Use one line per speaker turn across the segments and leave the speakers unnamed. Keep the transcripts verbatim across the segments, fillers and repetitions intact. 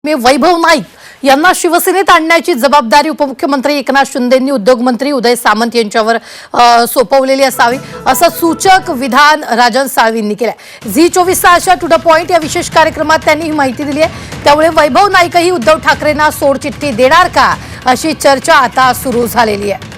मी वैभव नाईक यांना शिवसेनेत आणण्याची जबाबदारी उपमुख्यमंत्री एकनाथ शिंदेंनी उद्योगमंत्री उदय सामंत यांच्यावर सोपवलेली असावी असं सूचक विधान राजन साळवींनी केलंय। झी चोवीस तासच्या टू द पॉइंट या विशेष कार्यक्रमात त्यांनी ही माहिती दिली आहे। त्यामुळे वैभव नाईकही उद्धव ठाकरेंना सोडचिठ्ठी देणार का अशी चर्चा आता सुरू झालेली आहे।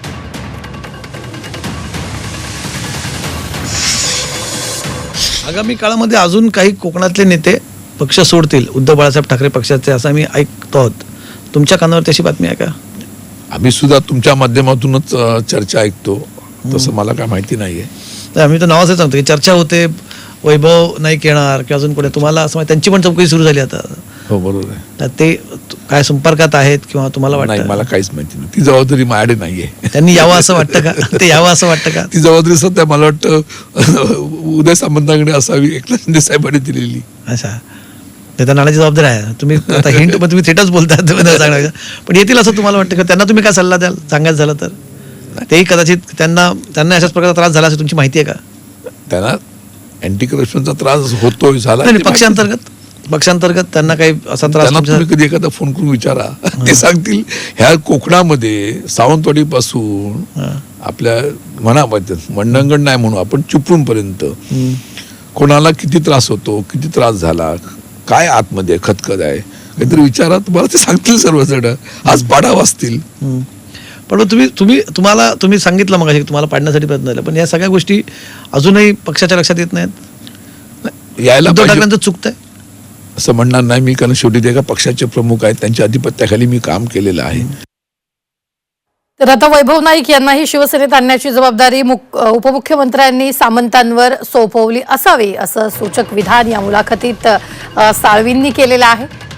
आगामी काळामध्ये अजून काही कोकणातले नेते पक्ष सोडतील उद्धव बाळासाहेब ठाकरे पक्षाचे असं आम्ही ऐकतो आहोत। तुमच्या कानावर तशी बातमी आहे का?
आम्ही सुद्धा तुमच्या माध्यमातूनच चर्चा ऐकतो, तसं मला काय माहिती नाहीये।
तर आम्ही तर नावाचं सांगतो की चर्चा होते वैभव नाईक येणार किंवा अजून कोणी, तुम्हाला असं त्यांची पण चौकशी सुरू झाली आता?
हो बरोबर आहे।
तर ते काय संपर्कात आहेत किंवा तुम्हाला वाटतं?
नाही, मला काहीच माहिती नाही, ती जबाबदारी माझ्याकडे नाहीये।
त्यांनी यावं असं वाटतं का? ते यावं असं वाटतं का?
ती जबाबदारी सध्या मला वाटतं उदय सामंतांकडे असावी, एकनाथ शिंदे साहेबांनी दिलेली।
अच्छा, ते तर नाण्याची जबाबदारी आहे। तुम्ही आता हिंट पण तुम्ही थेटच बोलतात सांगणार, पण येतील असं तुम्हाला वाटतं का? त्यांना तुम्ही काय सल्ला द्याल सांगायचं झालं तर? तेही कदाचित त्यांना त्यांना अशाच प्रकारचा त्रास झाला असेल, तुमची माहिती आहे का?
त्यांना अँटी करप्शनचा त्रास होतोय, झाला
पक्षांतर्गत पक्षांतर्गत त्यांना काही असा त्रास?
तुम्ही कधी एखादा फोन करून विचारा, ते सांगतील। ह्या कोकणामध्ये सावंतवाडी पासून आपल्या मनामध्ये मंडणगड नाही म्हणून आपण चिपळूण पर्यंत कोणाला किती त्रास होतो, किती त्रास झाला, काय आतमध्ये खतखत आहे, काहीतरी विचारा, तुम्हाला ते सांगतील सर्वजण। आज पाडा वाचतील।
पण तुम्ही तुम्ही तुम्हाला तुम्ही सांगितलं मग तुम्हाला पाडण्यासाठी प्रयत्न झाला, पण या सगळ्या गोष्टी अजूनही पक्षाच्या लक्षात येत नाहीत?
यायला
उद्धव ठाकरेंचं चुकतंय
असं म्हणणार नाही मी, कारण शेवटी ते एका पक्षाचे प्रमुख आहेत, त्यांच्या अधिपत्याखाली मी काम केलेलं आहे।
तर आता वैभव नाईक यांनाही शिवसेनेत आणण्याची जबाबदारी उपमुख्यमंत्र्यांनी सामंतांवर सोपवली असावी असं सूचक विधान या मुलाखतीत साळवींनी केलेलं आहे।